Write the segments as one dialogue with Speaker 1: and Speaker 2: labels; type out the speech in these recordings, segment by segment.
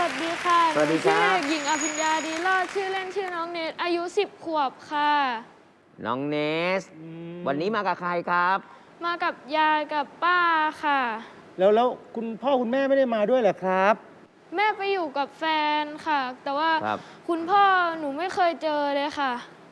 Speaker 1: วัสดีค่ะ
Speaker 2: สวัสดีครั
Speaker 1: ชื่อ
Speaker 2: บ
Speaker 1: เด็กหญิงอภิญญาดีรอดชื่อเล่นชื่อน้องเนตอายุ10 ขวบค่ะ
Speaker 2: น้องเนสวันนี้มากับใครครับ
Speaker 1: มากับยายกับป้าค่ะ
Speaker 3: แล้วคุณพ่อคุณแม่ไม่ได้มาด้วยเหรอครับ
Speaker 1: แม่ไปอยู่กับแฟนค่ะ แต่ว่า
Speaker 2: ครับ
Speaker 1: คุณพ่อหนูไม่เคยเจอเลยค่ะ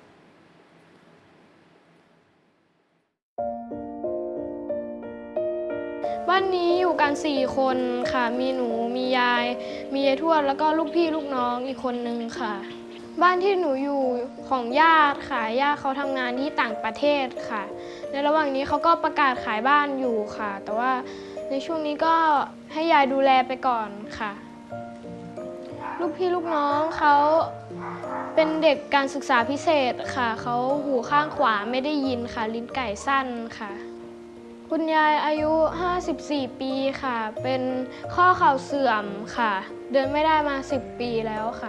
Speaker 1: บ้านนี้อยู่กัน4 คนค่ะ มีหนูมียาย มียายทวดแล้วก็ลูกพี่ลูกน้องอีกคนนึงค่ะ บ้านที่หนูอยู่ของญาติค่ะญาติเขาทำงานที่ต่างประเทศค่ะ ในระหว่างนี้เขาก็ประกาศขายบ้านอยู่ค่ะ แต่ว่าในช่วงนี้ก็ให้ยายดูแลไปก่อนค่ะ ลูกพี่ลูกน้องเขาเป็นเด็กการศึกษาพิเศษค่ะเขาหูข้างขวาไม่ได้ยินค่ะลิ้นไก่สั้นค่ะ คุณยายอายุ 54 ปีค่ะ เป็นข้อเข่าเสื่อมค่ะ เดินไม่ได้มา 10 ปีแล้วค่ะ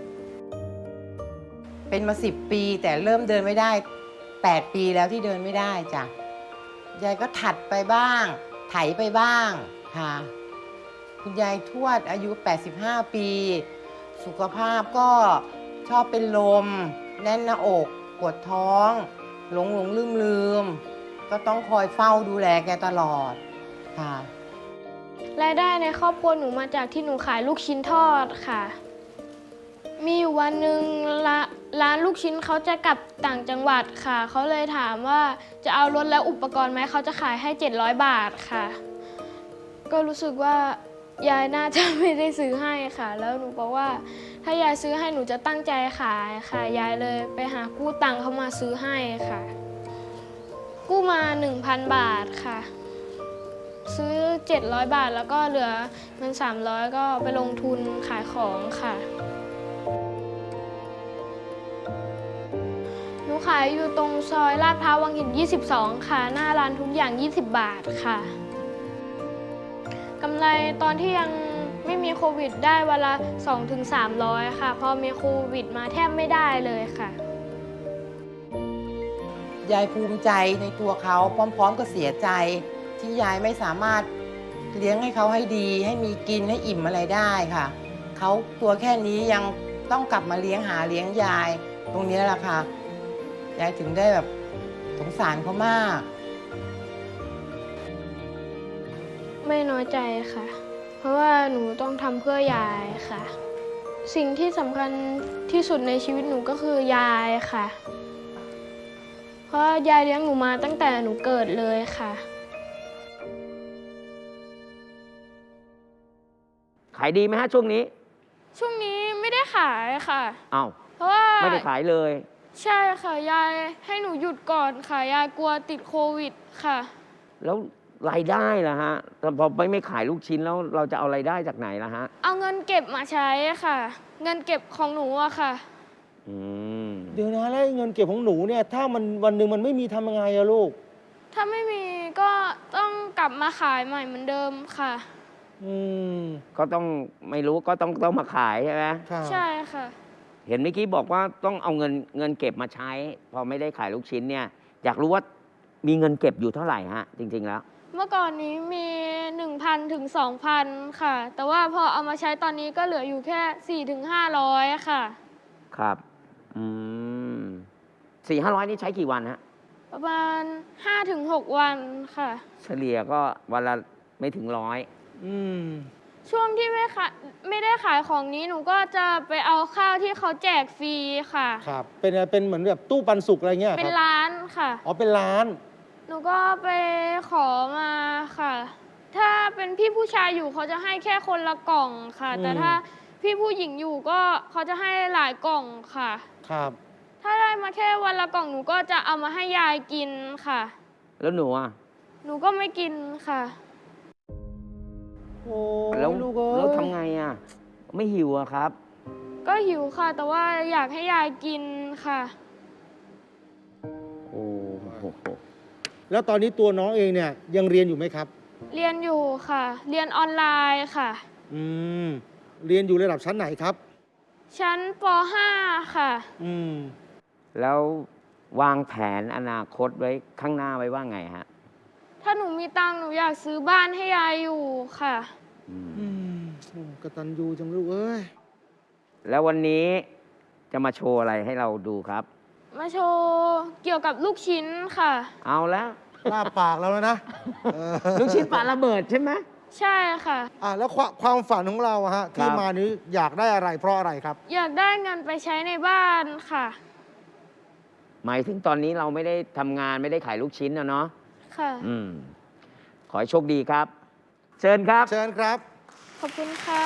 Speaker 4: เป็นมา10 ปีแต่เริ่มเดินไม่ได้8 ปีแล้วที่เดินไม่ได้จ้ะยายก็ถัดไปบ้างไถไปบ้างค่ะคุณยายทวดอายุ85 ปีสุขภาพก็ชอบเป็นลมแน่นหน้าอกปวดท้องหลงลืมก็ต้องคอยเฝ้าดูแลแกตลอดค่ะ
Speaker 1: รายได้ในครอบครัวหนูมาจากที่หนูขายลูกชิ้นทอดค่ะ มีอยู่วันหนึ่งร้านลูกชิ้นเขาจะกลับต่างจังหวัดค่ะ เขาเลยถามว่าจะเอารถและอุปกรณ์ไหมเขาจะขายให้700 บาทค่ะ ก็รู้สึกว่ายายน่าจะไม่ได้ซื้อให้ค่ะ แล้วหนูบอกว่าถ้ายายซื้อให้หนูจะตั้งใจขายค่ะ ยายเลยไปหากู้ตังค์เขามาซื้อให้ค่ะ กู้มา 1,000 บาทค่ะ ซื้อ700 บาทแล้วก็เหลือเงิน300ก็ไปลงทุนขายของค่ะ หนูขายอยู่ตรงซอยลาดพร้าววังหิน 22 ค่ะ หน้าร้านทุกอย่าง 20 บาทค่ะกำไรตอนที่ยังไม่มีโควิดได้วันละ 2-300 ค่ะ พอมีโควิดมาแทบไม่ได้เลยค่ะ
Speaker 4: ยายภูมิใจในตัวเขาพร้อมๆกับเสียใจที่ยายไม่สามารถเลี้ยงให้เขาให้ดีให้มีกินให้อิ่มอะไรได้ค่ะเขาตัวแค่นี้ยังต้องกลับมาเลี้ยงยาย ตรงนี้แหละค่ะยายถึงได้แบบสงสารเขามาก
Speaker 1: ไม่น้อยใจค่ะ เพราะว่าหนูต้องทำเพื่อยายค่ะ สิ่งที่สำคัญที่สุดในชีวิตหนูก็คือยายค่ะ เพราะยายเลี้ยงหนูมาตั้งแต่หนูเกิดเลยค่ะ
Speaker 2: ขายดีไหมฮะช่วงนี้
Speaker 1: ช่วงนี้ไม่ได้ขายค่ะ
Speaker 2: อ้าว
Speaker 1: เพราะว่า
Speaker 2: ไม่ได้ขายเลย
Speaker 1: ใช่ค่ะ ยายให้หนูหยุดก่อนค่ะ ยายกลัวติดโควิดค่ะ
Speaker 2: แล้วรายได้ล่ะฮะแต่พอไม่ขายลูกชิ้นแล้วเราจะเอารายได้จากไหนล่ะฮะ
Speaker 1: เอาเงินเก็บมาใช้ค่ะ เงินเก็บของหนูอะค่ะ
Speaker 2: อืม
Speaker 3: เดี๋ยวนะแล้วเงินเก็บของหนูเนี่ยถ้ามันวันหนึ่งมันไม่มีทำยังไงอะลูก
Speaker 1: ถ้าไม่มีก็ต้องกลับมาขายใหม่เหมือนเดิมค่ะ
Speaker 3: อืม
Speaker 2: ก็ต้องไม่รู้ก็ต้องมาขายใช่ไหม
Speaker 3: ค่ะ
Speaker 1: ใช่ค่ะ
Speaker 2: เห็นเมื่อกี้บอกว่าต้องเอาเงินเก็บมาใช้ พอไม่ได้ขายลูกชิ้นเนี่ย อยากรู้ว่ามีเงินเก็บอยู่เท่าไหร่ฮะ จริง ๆ แล้ว
Speaker 1: เมื่อก่อนนี้มี 1,000 ถึง 2,000 ค่ะ แต่ว่าพอเอามาใช้ตอนนี้ก็เหลืออยู่แค่ 4 ถึง 500 ค่ะ
Speaker 2: ครับ อืม400-500นี่ใช้กี่วันฮะ
Speaker 1: ประมาณ 5 ถึง 6 วันค่ะ
Speaker 2: เฉลี่ยก็วันละไม่ถึง100
Speaker 3: อืม
Speaker 1: ช่วงที่ไม่ได้ขายของนี้หนูก็จะไปเอาข้าวที่เขาแจกฟรีค่ะ
Speaker 3: ครับเป็นเหมือนแบบตู้ปันสุกอะไรเงี้ยค
Speaker 1: เป็
Speaker 3: รั
Speaker 1: น
Speaker 3: บ
Speaker 1: ร้านค่ะ
Speaker 3: อ๋อเป็นร้าน
Speaker 1: หนูก็ไปขอมาค่ะ ถ้าเป็นพี่ผู้ชายอยู่เขาจะให้แค่คนละกล่องค่ะ แต่ถ้าพี่ผู้หญิงอยู่ก็เขาจะให้หลายกล่องค่ะ
Speaker 3: ครับ
Speaker 1: ถ้าได้มาแค่วันละกล่องหนูก็จะเอามาให้ยายกินค่ะ
Speaker 2: แล้วหนูอ่ะ
Speaker 1: หนูก็ไม่กินค่ะ
Speaker 3: โอ้
Speaker 2: แล้ว
Speaker 3: ลูกเอ้ย
Speaker 2: แล้วทำไงอ่ะ ไม่หิวอะครับ
Speaker 1: ก็หิวค่ะ แต่ว่าอยากให้ยายกินค่ะ
Speaker 2: โอ้โห
Speaker 3: แล้วตอนนี้ตัวน้องเองเนี่ยยังเรียนอยู่ไหมครับ
Speaker 1: เรียนอยู่ค่ะ เรียนออนไลน์ค่ะ
Speaker 3: อืมเรียนอยู่ระดับชั้นไหนครับ
Speaker 1: ชั้นป .5 ค่ะ
Speaker 3: อืม
Speaker 2: แล้ววางแผนอนาคตไว้ข้างหน้าไว้ว่าไงฮะ
Speaker 1: ถ้าหนูมีตังค์หนูอยากซื้อบ้านให้ยายอยู่ค่ะ
Speaker 2: อืม
Speaker 3: อืมกตัญญูจังลูกเอ้ย
Speaker 2: แล้ววันนี้จะมาโชว์อะไรให้เราดูครับ
Speaker 1: มาโชว์เกี่ยวกับลูกชิ้นค่ะ
Speaker 2: เอาแล้ว
Speaker 3: ลาบปากเราแล้วนะเออ
Speaker 2: ลูกชิ้นปลาระเบิดใช่ไหม
Speaker 1: ใช่ค่ะ
Speaker 3: แล้วความฝันของเราอะฮะที่มานี้อยากได้อะไรเพราะอะไรครับ
Speaker 1: อยากได้เงินไปใช้ในบ้านค่ะ
Speaker 2: หมายถึงตอนนี้เราไม่ได้ทำงานไม่ได้ขายลูกชิ้นนะเนาะ
Speaker 1: ค่ะ
Speaker 2: ขอให้โชคดีครับ เชิญครับ
Speaker 3: เชิญครับ
Speaker 1: ขอบคุณค่ะ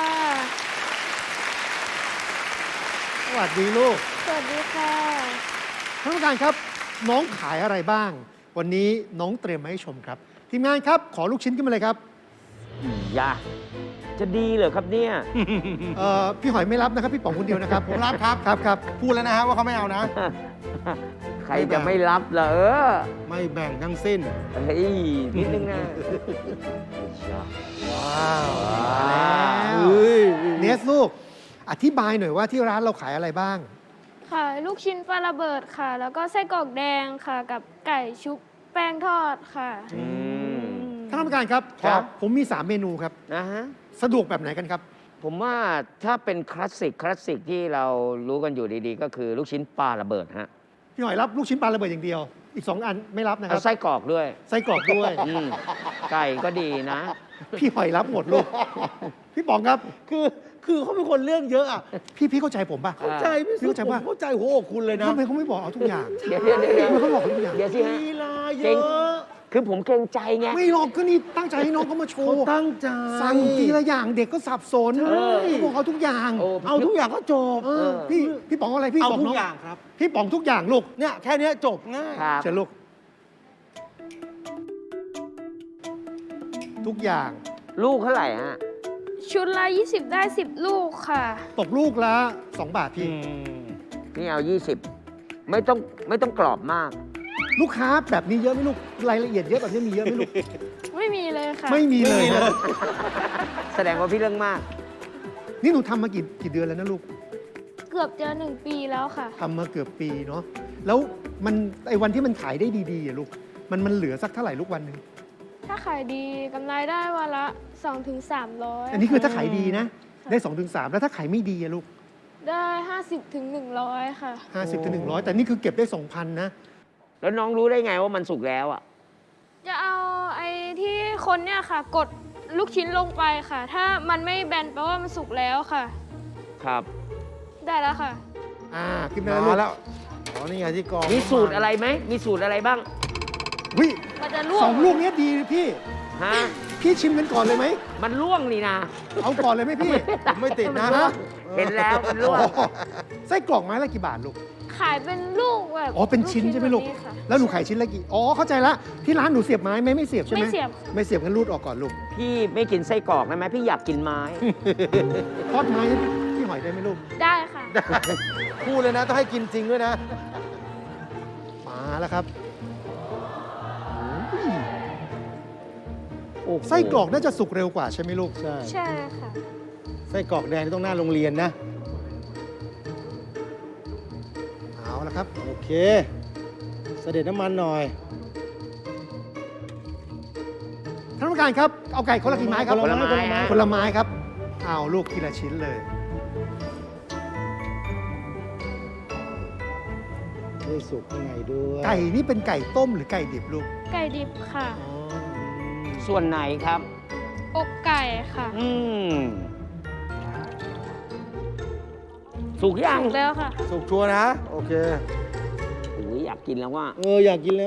Speaker 3: สวัสดีลูก
Speaker 1: สวัสดีค่ะ
Speaker 5: ท่านผู้การครับน้องขายอะไรบ้าง วันนี้น้องเตรียมมาให้ชมครับ ทีมงานครับขอลูกชิ้นขึ้นมาเลยครับ
Speaker 2: อย่า จะดีเหรอครับเนี่ย
Speaker 5: พี่หอยไม่รับนะครับ พี่ป๋องคนเดียวนะครับ
Speaker 3: ผมรับครับ
Speaker 5: ครับ
Speaker 3: พูดแล้วนะฮะว่าเขาไม่เอานะ
Speaker 2: ใครจะไม่รับล่ะ
Speaker 3: ไม่แบ่งทั้งสิ้น
Speaker 2: เฮ้ย นิดนึงนะ
Speaker 3: ว้าว
Speaker 5: เนสลูกอธิบายหน่อยว่าที่ร้านเราขายอะไรบ้าง
Speaker 1: ค่ะ ลูกชิ้นปลาระเบิดค่ะ แล้วก็ไส้กรอกแดงค่ะ กับไก่ชุบแป้งทอดค่ะ
Speaker 5: ท่านผู้การครับ
Speaker 2: ครับ
Speaker 5: ผมมี 3 เมนูครับ
Speaker 2: นะฮะ
Speaker 5: สะดวกแบบไหนกันครับ
Speaker 2: ผมว่าถ้าเป็นคลาสสิกที่เรารู้กันอยู่ดีๆ ก็คือลูกชิ้นปลาระเบิดฮะ
Speaker 5: พี่หอยรับลูกชิ้นปลาระเบิดอย่างเดียว อีก 2 อันไม่รับนะค
Speaker 2: เอา
Speaker 5: รับ
Speaker 2: ไส้กรอกด้วย
Speaker 5: ไส้กรอกด้วย
Speaker 2: ไก่ก็ดีนะ
Speaker 5: พี่หอยรับหมดลูก พี่ป๋องครับ
Speaker 3: คือเขาเป็นคนเรื่องเยอะอะ
Speaker 5: พี่เข้าใจผมป่ะ
Speaker 2: เข้า
Speaker 3: ใจพี่สุ
Speaker 5: เข้าใจ
Speaker 3: ผม
Speaker 5: ว่า
Speaker 3: เข้าใจหัวอกคุณเลยนะ
Speaker 5: ทำไมเขาไม่บอกเอาทุกอย่าง
Speaker 2: เดี๋ยว
Speaker 5: ทำไมเขาบอกเอาทุกอย่าง
Speaker 2: เดี๋ยวสิฮะ
Speaker 3: ลีลาเย
Speaker 2: เก่ง
Speaker 3: อะ
Speaker 2: คือผมเกรงใจไง
Speaker 5: ไม่หรอกก็นี่ตั้งใจให้น้องเขามาโช
Speaker 3: เขา
Speaker 5: ว์
Speaker 3: ตั้งใจ
Speaker 5: สั่งทีละอย่างเด็กก็สับสน
Speaker 2: ใช่
Speaker 5: เขาบอกเอาทุกอย่าง
Speaker 2: โอ้
Speaker 3: เอาทุกอย่างก็จบ
Speaker 5: พี่ป๋องอะไรพี่
Speaker 3: เอา
Speaker 5: บอก
Speaker 3: ทุ
Speaker 5: น้
Speaker 3: ก
Speaker 5: อง
Speaker 3: อย่างครับ
Speaker 5: พี่ป๋องทุกอย่างลูก
Speaker 3: เนี่ยแค่เนี้ยจบง่าย
Speaker 2: ครับ
Speaker 5: เชิญลูก ทุกอย่าง
Speaker 2: ลูกเท่าไหร่ฮะ
Speaker 1: ชุดละ 20 ได้ 10 ลูกค่ะ
Speaker 5: ตกลูกละ2 บาทพี่
Speaker 2: นี่เอา 20 ไม่ต้องกรอบมาก
Speaker 5: ลูกค้าแบบนี้เยอะไหมลูกรายละเอียดเยอะแบบนี้มีเยอะไหมลูก
Speaker 1: ไม่มีเลยค่ะ
Speaker 5: ไม่มีเลยนะ
Speaker 2: แสดงว่าพี่เรื่องมาก
Speaker 5: นี่หนูทำมากี่เดือนแล้วนะลูก
Speaker 1: เกือบจะ1 ปีแล้วค่ะ
Speaker 5: ทำมาเกือบปีเนาะแล้วมันไอ้วันที่มันขายได้ดีๆอะลูกมันเหลือสักเท่าไหร่ลูกวันหนึ่ง
Speaker 1: ถ้าขายดีกำไรได้วันละ 2-300
Speaker 5: อันนี้คือถ้าขายดีนะได้2-3ถึง3แล้วถ้าขายไม่ดีอะลูก
Speaker 1: ได้ 50-100 ค่ะ
Speaker 5: 50ถึง100แต่นี่คือเก็บได้ 2,000นะ
Speaker 2: แล้วน้องรู้ได้ไงว่ามันสุกแล้วอ่ะ
Speaker 1: จะเอาไอ้ที่คนเนี่ยค่ะ กดลูกชิ้นลงไปค่ะ ถ้ามันไม่แบนแปลว่ามันสุกแล้วค่ะ
Speaker 2: ครับ
Speaker 1: ได้แล้วค่ะ
Speaker 5: ขึ้นมาแล้วลู
Speaker 3: มาก แล้วอ๋อนี่ไงที่กอง
Speaker 2: มีสูตรอะไรไหม มีสูตรอะไรบ้าง
Speaker 5: วิ
Speaker 1: มันจะลวก
Speaker 5: 2 ลูกเนี้ยดีเลยพี่
Speaker 2: ฮะ
Speaker 5: พี่ชิมกันก่อนเลยไหม
Speaker 2: มันล่วงนี่นะ
Speaker 5: เอาก่อนเลยไหมพี่
Speaker 3: ผมไม่ติดนะ
Speaker 2: เห็นแล้วมันล่วง
Speaker 5: ไส้กรอกไม้ละกี่บาทลูก
Speaker 1: ขายเป็นลูกแบบ
Speaker 5: อ๋อ เป็นชิ้นใช่ไหมลูก
Speaker 1: แบบนี้ค่ะ
Speaker 5: แล้วหนูขายชิ้นละกี่ อ๋อ เข้าใจละ ที่ร้านหนูเสียบไม้ไหมไม่เสียบใช่ไหม
Speaker 1: ไม่เสียบ
Speaker 5: ไม่เสียบกันรูดออกก่อนลูก
Speaker 2: พี่ไม่กินไส้กรอกได้ไหมพี่อยากกินไม้
Speaker 5: ทอดไม้ให้พี่หอยได้ไหมลูก
Speaker 1: ได้ค่ะ
Speaker 3: พูดเลยนะต้องให้กินจริงด้วยนะ
Speaker 5: มาแล้วครับ
Speaker 2: โอ้โห
Speaker 5: ไส้กรอกน่าจะสุกเร็วกว่าใช่ไหมลูก
Speaker 3: ใช่
Speaker 1: ใช่ค่ะ
Speaker 3: ไส้กรอกแดงนี่ต้องหน้าโรงเรียนนะ
Speaker 5: เอาละครับ
Speaker 3: โอเค เสด็จน้ำมันหน่อย
Speaker 5: ท่านผู้การครับ เอาไก่คนละกี่ไม้ครับ
Speaker 3: คนละไม้
Speaker 5: คนละไม้ครับ เอาลูกทีละชิ้นเลย
Speaker 3: ได้สุกข้างในด้วย
Speaker 5: ไก่นี่เป็นไก่ต้มหรือไก่ดิบลูก
Speaker 1: ไก่ดิบค่ะ
Speaker 5: อ๋อ
Speaker 2: ส่วนไหนครับ
Speaker 1: อกไก่ค่ะ
Speaker 2: สุกยัง
Speaker 1: ถูกแล้วค่ะ
Speaker 3: สุกชัวร์นะ โอเค
Speaker 2: โอ้ยอยากกินแล้วว่า
Speaker 3: อยากกินแล้ว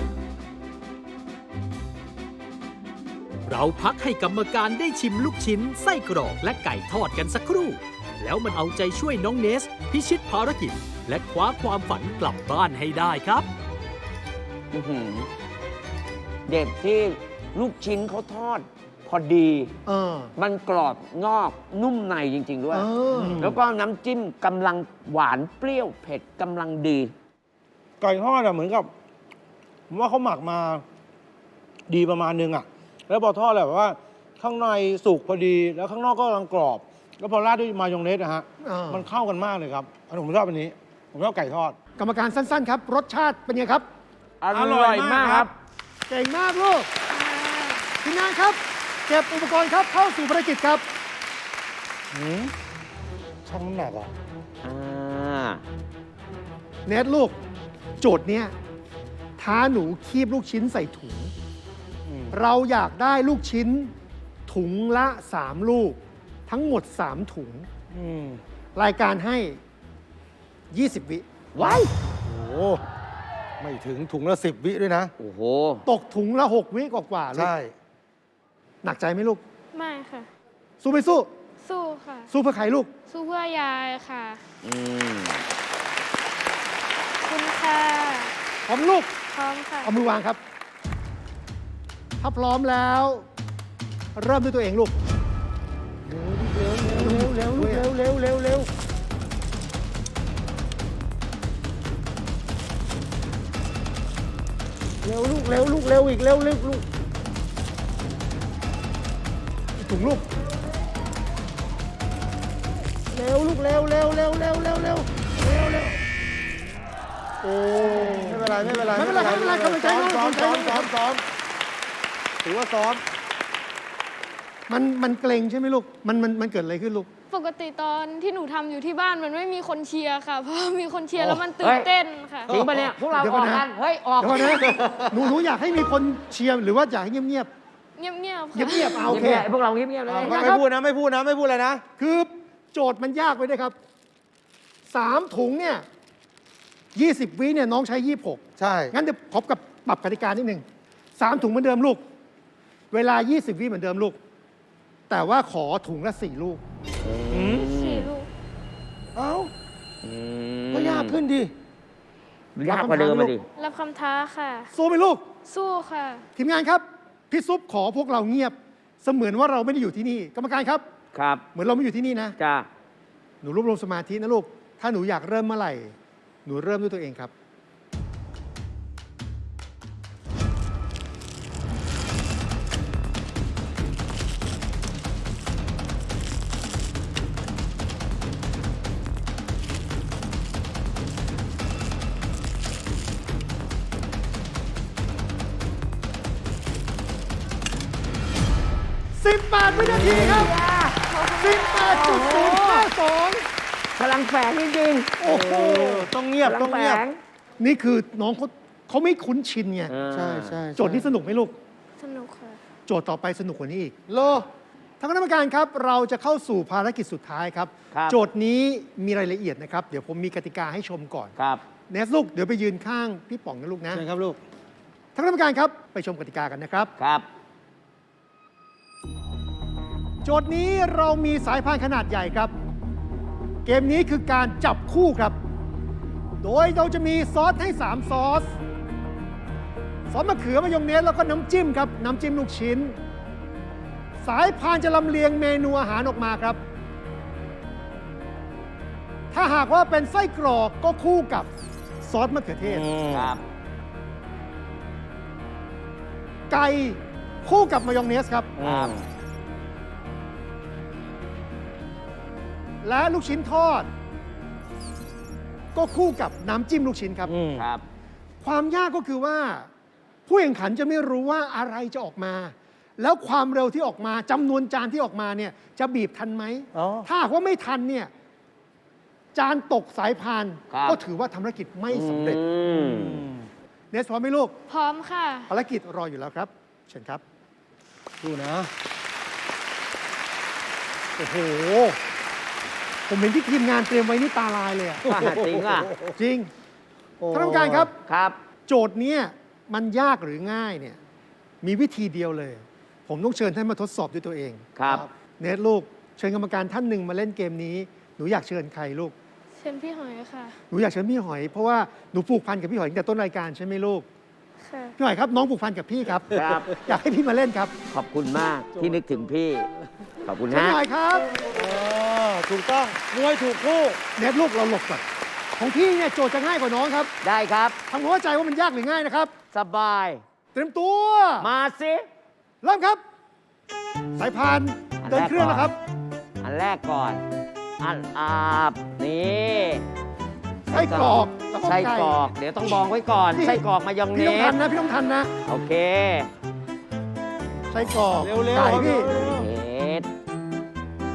Speaker 6: เราพักให้กรรมการได้ชิมลูกชิ้น ไส้กรอกและไก่ทอดกันสักครู่ แล้วมันเอาใจช่วยน้องเนส พิชิตภารกิจ และคว้าความฝันกลับบ้านให้ได้ครับ
Speaker 2: อื้อหือเด็กที่ลูกชิ้นเขาทอด พอดี
Speaker 5: เออ
Speaker 2: มันกรอบนอกนุ่มในจริง ๆ ด้วย
Speaker 5: เออ
Speaker 2: แล้วก็น้ำจิ้มกำลังหวานเปรี้ยวเผ็ดกำลังดี
Speaker 3: ไก่ทอดอะเหมือนกับ ผมว่าเขาหมักมาดีประมาณนึงอะแล้วพอทอดแบบว่า ข้างในสุกพอดี แล้วข้างนอกก็กำลังกรอบ แล้วพอราดด้วยมายองเนสนะฮะ มันเข้ากันมากเลยครับอันผมชอบอันนี้ ผมชอบไก่ทอด
Speaker 5: กรรมการสั้นๆครับ รสชาติเป็นไงครับ
Speaker 2: อร่อยมากครับ
Speaker 5: เก่งมากลูกทีมงานครับ เก็บอุปกรณ์ครับเข้าสู่ภารกิจครับ
Speaker 3: ช่างน้ำหนักอ่ะ
Speaker 2: อ่า
Speaker 5: เนทลูก โจทย์เนี้ยท้าหนูคีบลูกชิ้นใส่ถุง เราอยากได้ลูกชิ้นถุงละ 3 ลูก ทั้งหมด 3 ถุง รายการให้ 20 วิ
Speaker 2: ว้าย
Speaker 3: โอ้โหไม่ถึงถุงละ10 วิด้วยนะ
Speaker 2: โอ้โห
Speaker 5: ตกถุงละ 6 วิกว่าๆลูก
Speaker 3: ใช่
Speaker 5: หนักใจไหมลูก
Speaker 1: ไม่ค่ะ
Speaker 5: สู้ไม่สู้
Speaker 1: สู้ค่ะ
Speaker 5: สู้เพื่อใครลูก
Speaker 1: สู้เพื่อยายค่ะ
Speaker 2: อืม
Speaker 1: ขอบคุณค่ะ
Speaker 5: พร้อมลูก
Speaker 1: พร้อมค่ะ
Speaker 5: เอามือวางครับ ถ้าพร้อมแล้ว เริ่มด้วยตัวเองลูก
Speaker 3: เร็วลูกเร็วเร็วเร็วเร็วเร็วลูกเร็วลูกเร็วอีกเร็วเร็วลูก
Speaker 5: ถุงลูก
Speaker 3: เร็วลูกเร็วเร็วเร็วเร็วเร็วเร็วเร็วเร็วโอ้ไม่เป็นไรไม่เป็นไร
Speaker 5: ไม่เป็นไรไม่เป็นไรกำลังใจ
Speaker 3: ซ้อม
Speaker 5: กำลังใจ
Speaker 3: ซ้อมถือว่าซ้อม
Speaker 5: มันเกรงใช่ไหมลูก มันเกิดอะไรขึ้นลูก
Speaker 1: ปกติตอนที่หนูทำอยู่ที่บ้านมันไม่มีคนเชียร์ค่ะ เพราะมีคนเชียร์แล้วมันตื่
Speaker 2: เฮ้
Speaker 1: น
Speaker 2: ย
Speaker 1: เต้นค่ะ
Speaker 2: จริงปะเนี่ย พวกเรา
Speaker 5: เดี๋ยว
Speaker 2: อ
Speaker 5: ก่
Speaker 2: อ
Speaker 5: อน
Speaker 2: ก
Speaker 5: นะ
Speaker 2: กัน เฮ้ย ออก
Speaker 5: เดี๋ยวก่อนนะหนูอยากให้มีคนเชียร์หรือว่าอยากให้เงียบ
Speaker 1: เงียบๆค่ะ
Speaker 5: เงียบๆเอาโอเค
Speaker 2: เงียบๆพวกเราเงียบๆเลย
Speaker 3: ไม่พูดนะไม่พูดนะไม่พูดเลยนะ
Speaker 5: คือโจทย์มันยากไปด้วยครับ 3 ถุงเนี่ย 20 วิเนี่ยน้องใช้ 26
Speaker 3: ใช่
Speaker 5: งั้นเดี๋ยวขอกับปรับกติกานิดหนึ่ง3 ถุงเหมือนเดิมลูก เวลา 20 วิเหมือนเดิมลูก แต่ว่าขอถุงละ 4 ลูก
Speaker 1: สี่ลูก
Speaker 3: เอ้า
Speaker 2: อื
Speaker 3: ก็ยากขึ้นดิ
Speaker 2: ยากกว่าเดิมมาดิ
Speaker 1: รับคำท้าค่ะ
Speaker 5: สู้ไหมลูก
Speaker 1: สู้ค่ะ
Speaker 5: ทีมงานครับ พี่ซุปขอพวกเราเงียบ เสมือนว่าเราไม่ได้อยู่ที่นี่ กรรมการครับ
Speaker 2: ครับ
Speaker 5: เหมือนเราไม่อยู่ที่นี่นะ
Speaker 2: จ้า
Speaker 5: หนูรวบรวมสมาธินะลูก ถ้าหนูอยากเริ่มเมื่อไหร่ หนูเริ่มด้วยตัวเองครับ 18 วินาทีครับ 18.052
Speaker 2: พลังแฝงจริง
Speaker 5: โอ้โห
Speaker 3: ต้องเงียบ
Speaker 2: พลั
Speaker 3: ต้องเงียบ
Speaker 2: แฝง
Speaker 5: นี่คือน้องเขาไม่คุ้นชินไง
Speaker 2: อ่า
Speaker 3: ใช่ใช่
Speaker 5: โจทย์นี้สนุกไหมลูก
Speaker 1: สนุกค่ะ
Speaker 5: โจทย์ต่อไปสนุกกว่านี้อีกโลท่านคณะกรรมการครับ เราจะเข้าสู่ภารกิจสุดท้ายครับ
Speaker 2: ครับ
Speaker 5: โจทย์นี้มีรายละเอียดนะครับ เดี๋ยวผมมีกติกาให้ชมก่อน
Speaker 2: ครับ
Speaker 5: เนสลูก เดี๋ยวไปยืนข้างพี่ป๋องนะลูกนะ
Speaker 3: เชิญครับลูก
Speaker 5: ท่านคณะกรรมการครับ ไปชมกติกากันนะครับ
Speaker 2: ครับ
Speaker 5: โจทย์นี้เรามีสายพานขนาดใหญ่ครับ เกมนี้คือการจับคู่ครับ โดยเราจะมีซอสให้ 3 ซอส ซอสมะเขือมายองเนสแล้วก็น้ำจิ้มครับ น้ำจิ้มลูกชิ้น สายพานจะลำเลียงเมนูอาหารออกมาครับ ถ้าหากว่าเป็นไส้กรอกก็คู่กับซอสมะเขือเทศ
Speaker 2: ครับ
Speaker 5: ไก่คู่กับมายองเนสครับ
Speaker 2: ครับ
Speaker 5: และลูกชิ้นทอด ก็คู่กับน้ำจิ้มลูกชิ้นครับ
Speaker 2: ครับ
Speaker 5: ความยากก็คือว่า ผู้แข่งขันจะไม่รู้ว่าอะไรจะออกมา แล้วความเร็วที่ออกมาจำนวนจานที่ออกมาเนี่ยจะบีบทันไหม
Speaker 3: อ๋อ
Speaker 5: ถ้าหากว่าไม่ทันเนี่ยจานตกสายพาน
Speaker 2: ครับ
Speaker 5: ก็ถือว่าภารกิจไม่สำเร็จ
Speaker 2: อืม
Speaker 5: เนสพร้อมไหมลูก
Speaker 1: พร้อมค่ะ
Speaker 5: ภารกิจรออยู่แล้วครับ เชิญครับ
Speaker 3: ดูนะ
Speaker 5: โอ้โห ผมเห็นที่ทีมงานเตรียมไว้นี่ตาลายเลยอะ
Speaker 2: จริงอ่ะ
Speaker 5: จริงท่านกรรมการครับ
Speaker 2: ครับ
Speaker 5: โจทย์เนี้ยมันยากหรือง่ายเนี่ยมีวิธีเดียวเลย ผมต้องเชิญท่านมาทดสอบด้วยตัวเอง
Speaker 2: ครับ
Speaker 5: เนทลูกเชิญกรรมการท่านหนึ่งมาเล่นเกมนี้ หนูอยากเชิญใครลูก
Speaker 1: เชิญพี่หอยค่ะ
Speaker 5: หนูอยากเชิญพี่หอย เพราะว่าหนูผูกพันกับพี่หอยตั้งแต่ต้นรายการใช่ไหมลูก
Speaker 1: ค่ะ
Speaker 5: พี่หอยครับน้องผูกพันกับพี่ครับ
Speaker 2: ครับ
Speaker 5: อยากให้พี่มาเล่นครับ
Speaker 2: ขอบคุณมากที่นึกถึงพี่ ขอบคุณ
Speaker 5: เชิญ
Speaker 2: นะ
Speaker 5: พี่หอยครับ
Speaker 3: ถูกต้องมวยถูกคู่
Speaker 5: เนทลูกเราหลบก่อนของพี่เนี่ยโจทย์จะง่ายกว่าน้องครับ
Speaker 2: ได้ครับ
Speaker 5: ทำความเข้าใจว่ามันยากหรือง่ายนะครับ
Speaker 2: สบาย
Speaker 5: เตรียมตัว
Speaker 2: มาสิ
Speaker 5: เริ่มครับ สายพานเดินเครื่องนะครับ
Speaker 2: อันแรกก่อน อันอาบ นี่
Speaker 5: ไส้กรอกแล้วก็
Speaker 2: ไส้
Speaker 5: ไก่
Speaker 2: กรอก เดี๋ยวต้องมองไว้ก่อน
Speaker 5: นี่
Speaker 2: ไส้กรอกมายองเน
Speaker 5: พี่ต้องทั
Speaker 2: ส
Speaker 5: นนะพี่ต้องทันนะ
Speaker 2: โอเค
Speaker 5: ไส้กรอก
Speaker 3: เร็วๆ
Speaker 5: ไก่พี่
Speaker 2: เนส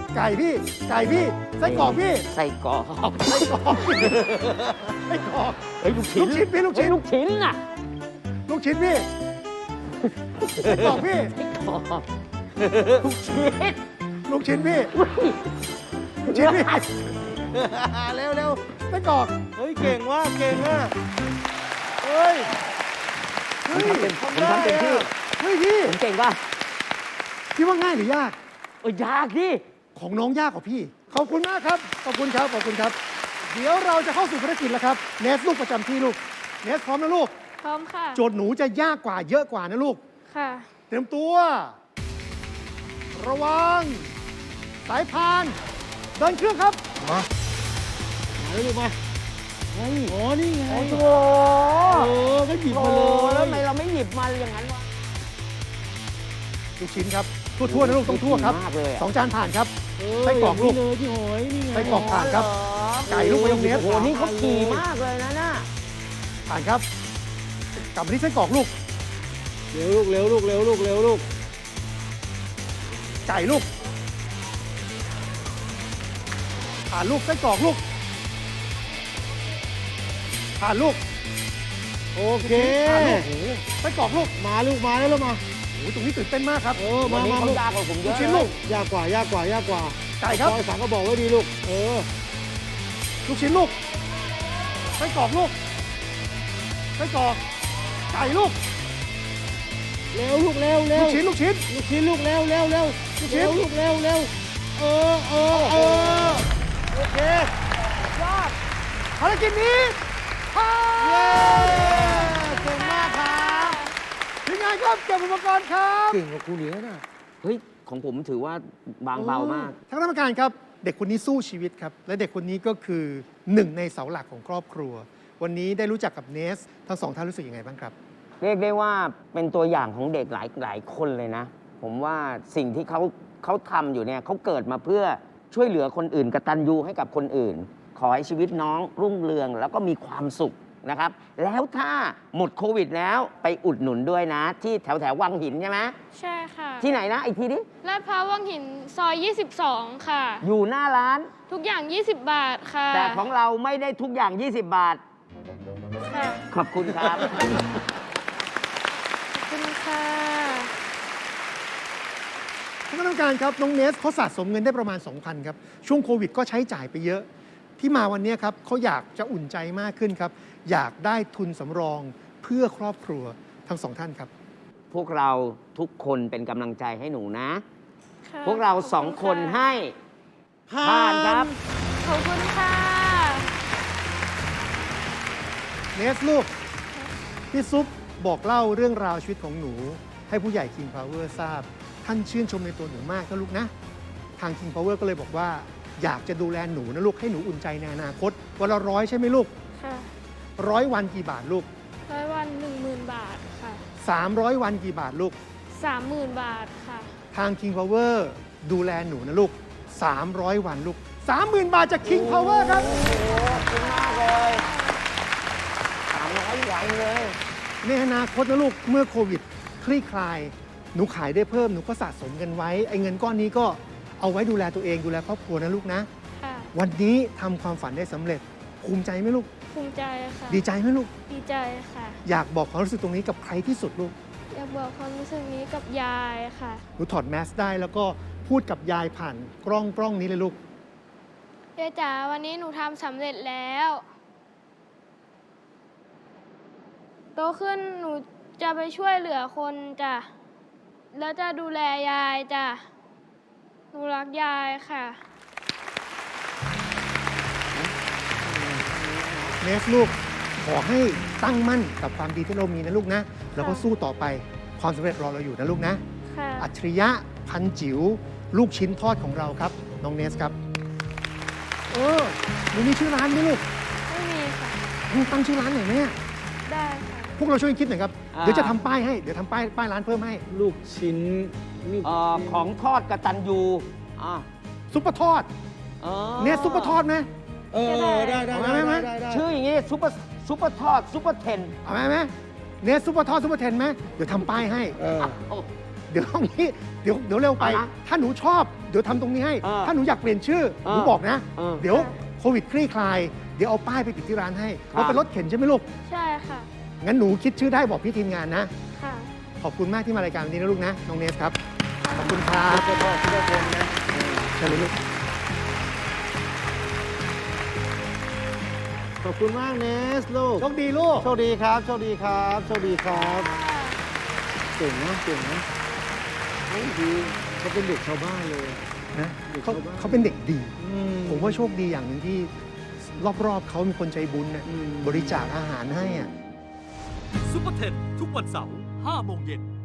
Speaker 5: ไก่พี่ ไก่พี่ ไส้กรอกพี่
Speaker 2: ไส้กรอก
Speaker 5: ไส้กรอกพี่ไส้กรอก
Speaker 2: เฮ้ยลูกชิ้น
Speaker 5: ลูกชิ้นพี่ลูกชิ้น
Speaker 2: เฮ้ยลูกชิ้นน่ะ
Speaker 5: ลูกชิ้นพี่ไส้กรอกพี่
Speaker 2: ลูกชิ้น
Speaker 5: ลูกชิ้นพี่ลูกชิ้นพี่
Speaker 3: เร็วเร็ว
Speaker 5: ไส้กรอก
Speaker 3: เฮ้ยเก่งว่ะเก่งอ่ะเฮ้ย
Speaker 2: ผมทำเต็มที่
Speaker 5: เฮ้ยพี่
Speaker 2: ผมเก่งป่ะ
Speaker 5: พี่ว่าง่ายหรือยาก
Speaker 2: ยากที่
Speaker 5: ของน้องยากกว่าพี่ ขอบคุณมากครับ ขอบคุณครับ ขอบคุณครับ เดี๋ยวเราจะเข้าสู่ภารกิจแล้วครับ เนสลูกประจำที่ลูก เนสพร้อมนะลูก
Speaker 1: พร้อมค่ะ
Speaker 5: โจทย์หนูจะยากกว่าเยอะกว่านะลูก
Speaker 1: ค่ะ
Speaker 5: เตรียมตัว ระวัง สายพาน เดินเครื่องครับ
Speaker 3: มาเลยลูกมาอ๋อนี่ไง
Speaker 2: โอ้โห
Speaker 3: ก็หยิบ
Speaker 2: โอ้
Speaker 3: มา
Speaker 2: โห
Speaker 3: เลย
Speaker 2: แล้วทำไมเราไม่หยิบมาอย่างนั้นวะ
Speaker 5: ลูกชิ้นครับ ทั่วๆนะลูกต้องทั่วครับ
Speaker 2: มากเลยอะ
Speaker 5: สองจานผ่านครับ ไส้กรอกลูก
Speaker 3: เลยพี่หอยนี่ไง
Speaker 5: ไส้กรอกผ่านครับ ไก่ลูกมายองเนส
Speaker 2: โอ้โหนี่เขาขี่มากเลยนะน่ะ
Speaker 5: ผ่านครับ กลับมาที่ไส้กรอกลูก
Speaker 3: เร็วลูกเร็วลูกเร็วลูกเร็วลูก
Speaker 5: ไก่ลูก ผ่านลูกไส้กรอกลูก ผ่านลูก
Speaker 3: โอเค
Speaker 5: ผ่านลูกโอ้โหไส้กรอกลูก
Speaker 3: มาลูกมาแล้วลูกมา
Speaker 5: โอ้โหตรงนี้ตื่นเต้นมากครับ
Speaker 2: วั
Speaker 3: มาน
Speaker 2: นี้
Speaker 3: มา
Speaker 2: เขา
Speaker 3: ลูก
Speaker 2: ยากกว่าผมเย
Speaker 5: ลูก
Speaker 2: อะ
Speaker 5: ชิ้นลูก
Speaker 3: ยากกว่ายากกว่ายากกว่า
Speaker 5: ไก่ครับ
Speaker 3: ซอยสั่งก็บอกไว้ดีลูก
Speaker 5: ลูกชิ้นลูก ไส้กรอกลูก ไส้กรอก ไก่ลูก
Speaker 3: เร็วลูกเร็วเร็
Speaker 5: ลู
Speaker 3: ว
Speaker 5: กชิ้นลูกชิ้น
Speaker 3: ลูกชิ้นลูกเร็วเร็วเร็ว
Speaker 5: ลูกชิ้น
Speaker 3: เร็วลูกเร็วเร็วเออโอเค
Speaker 5: ภารกิจนี้ผ่าน
Speaker 3: เย้เก่งมากครับ
Speaker 5: ทีมงานครับเก็บอุปกรณ์ครับ
Speaker 3: เก่งกว่าครูเหนียวนะ
Speaker 2: เฮ้ย ของผมถือว่าบางเบามาก
Speaker 5: ทางคณะกรรมการครับ เด็กคนนี้สู้ชีวิตครับ และเด็กคนนี้ก็คือหนึ่งในเสาหลักของครอบครัว วันนี้ได้รู้จักกับเนส ทั้งสองท่านรู้สึกยังไงบ้างครับ
Speaker 2: เรียกได้ว่าเป็นตัวอย่างของเด็กหลายคนเลยนะ ผมว่าสิ่งที่เขาทำอยู่เนี่ยเขาเกิดมาเพื่อช่วยเหลือคนอื่นกตัญญูให้กับคนอื่น ขอให้ชีวิตน้องรุ่งเรืองแล้วก็มีความสุขนะครับ แล้วถ้าหมดโควิดแล้วไปอุดหนุนด้วยนะ ที่แถววังหินใช่ไหม
Speaker 1: ใช่ค่ะ
Speaker 2: ที่ไหนนะอีกทีดิ
Speaker 1: ลาดพร้าววังหินซอย 22 ค่ะ
Speaker 2: อยู่หน้าร้าน
Speaker 1: ทุกอย่าง 20 บาทค่ะ
Speaker 2: แต่ของเราไม่ได้ทุกอย่าง 20 บาท
Speaker 1: ค่ะ
Speaker 2: ขอบคุณครับ
Speaker 1: ขอบคุณค่ะ
Speaker 5: ท่านคณะกรรมการครับ น้องเนสเขาสะสมเงินได้ประมาณ 2,000 ครับ ช่วงโควิดก็ใช้จ่ายไปเยอะ ที่มาวันนี้ครับเขาอยากจะอุ่นใจมากขึ้นครับ อยากได้ทุนสำรองเพื่อครอบครัวทั้งสองท่านครับ
Speaker 2: พวกเราทุกคนเป็นกำลังใจให้หนูนะ
Speaker 1: ค่ะ
Speaker 2: พวกเราสองคน
Speaker 1: ขอบณ
Speaker 2: ให้ผ่านครับ
Speaker 1: ขอบคุณค่ะ
Speaker 5: เนสลูก พี่ซุปบอกเล่าเรื่องราวชีวิตของหนู ให้ผู้ใหญ่ King Power ทราบ ท่านชื่นชมในตัวหนูมากนะลูกนะ ทาง King Power ก็เลยบอกว่า อยากจะดูแลหนูนะลูก ให้หนูอุ่นใจในอนาคต วันละ100ใช่ไหมลูก
Speaker 1: ค่ะ
Speaker 5: 100 วันกี่บาทลูก
Speaker 1: 100 วัน 10,000 บาทค่ะ
Speaker 5: 300 วันกี่บาทลูก
Speaker 1: 30,000 บาทค่ะ
Speaker 5: ทาง King Power ดูแลหนูนะลูก 300 วันลูก 30,000 บาทจาก King Power ครับ
Speaker 2: ขอบคุณมากเลย300 วันเลย
Speaker 5: ในอนาคตนะลูก เมื่อโควิดคลี่คลาย หนูขายได้เพิ่ม หนูก็สะสมเงินไว้ ไอ้เงินก้อนนี้ก็เอาไว้ดูแลตัวเอง ดูแลครอบครัวนะลูกนะ
Speaker 1: ค่ะ
Speaker 5: วันนี้ทำความฝันได้สำเร็จ ภูมิใจไหมลูก
Speaker 1: ภูมิใจค่ะ
Speaker 5: ดีใจไหมลูก
Speaker 1: ดีใจค่ะ
Speaker 5: อยากบอกความรู้สึกตรงนี้กับใครที่สุดลูก
Speaker 1: อยากบอกความรู้สึกนี้กับยายค่ะ
Speaker 5: หนูถอดแมสได้แล้วก็พูดกับยายผ่านกล้องนี้เลยลูก
Speaker 1: ยายจ๋าวันนี้หนูทำสำเร็จแล้ว โตขึ้นหนูจะไปช่วยเหลือคนจ้ะ แล้วจะดูแลยายจ้ะ หนูรักยายค่ะ
Speaker 5: เนสลูก ขอให้ตั้งมั่นกับความดีที่เรามีนะลูกนะ แล้วก็สู้ต่อไป ความสำเร็จรอเราอยู่นะลูกนะ
Speaker 1: ค่ะ
Speaker 5: อัจฉริยะพันจิ๋วลูกชิ้นทอดของเราครับ น้องเนสครับ หนูมีชื่อร้านไหมลูก
Speaker 1: ไม่มีค่ะ
Speaker 5: ตั้งชื่อร้านหน่อยไหมอะ
Speaker 1: ได้ค่ะ
Speaker 5: พวกเราช่วยกันคิดหน่อยครับ
Speaker 2: อ่า
Speaker 5: เดี๋ยวจะทำป้ายให้ เดี๋ยวทำป้ายร้านเพิ่มให้
Speaker 3: ลูกชิ้นลูก
Speaker 2: ของทอดกตัญญูอ่า
Speaker 5: ซุปเปอร์ทอด
Speaker 2: อ๋อ
Speaker 5: เนสซุปเปอร์ทอดไหม
Speaker 3: ได้
Speaker 5: เอาไหม
Speaker 2: ชื่ออย่างงี้ซุปเปอร์ทอดซุปเปอร์เทน
Speaker 5: เอาไหมเนสซุปเปอร์ทอดซุปเปอร์เทนไหมเดี๋ยวทำป้ายให้
Speaker 3: เออ
Speaker 2: โอ้
Speaker 5: เดี๋ยวเอางี้เดี๋ยวเร็วไป
Speaker 2: เอานะ
Speaker 5: ถ้าหนูชอบ เดี๋ยวทำตรงนี้ให้ ถ้าหนูอยากเปลี่ยนชื่อ หนู
Speaker 2: เออ
Speaker 5: บอกนะ
Speaker 2: เออ
Speaker 5: เดี๋ยวโควิดคลี่คลาย เดี๋ยวเอาป้ายไปติดที่ร้านให้
Speaker 2: ครับ
Speaker 5: เพราะเป็นรถเข็นใช่ไหมลูก
Speaker 1: ใช่ค่ะ
Speaker 5: งั้นหนูคิดชื่อได้บอกพี่ทีมงานนะ
Speaker 1: ค่ะ
Speaker 5: ขอบคุณมากที่มารายการวันนี้นะลูกนะ น้องเนสครับ ขอบคุณครับ
Speaker 3: ช่วยพ่อช่วยคนนะ
Speaker 5: เชิญเลยลูก
Speaker 3: ขอบคุณมากเนสลูก
Speaker 5: โชคดีลูก
Speaker 3: โชคดีครับโชคดีครับโชคดีครับเก่งนะเก่งนะเฮ้ยดีเขาเป็นเด็กชาวบ้านเลย
Speaker 5: นะ
Speaker 3: เด็ก
Speaker 5: เขา
Speaker 3: ชาวบ้าน
Speaker 5: เขาเป็นเด็กดี
Speaker 3: อื
Speaker 5: ผมว่าโชคดีอย่างหนึ่งที่รอบๆเขามีคนใจบุญนะ
Speaker 3: อืม
Speaker 5: บริจาคอาหารให้อ่ะ
Speaker 6: ซุปเปอร์เทนทุกวันเสาร์5 โมงเย็น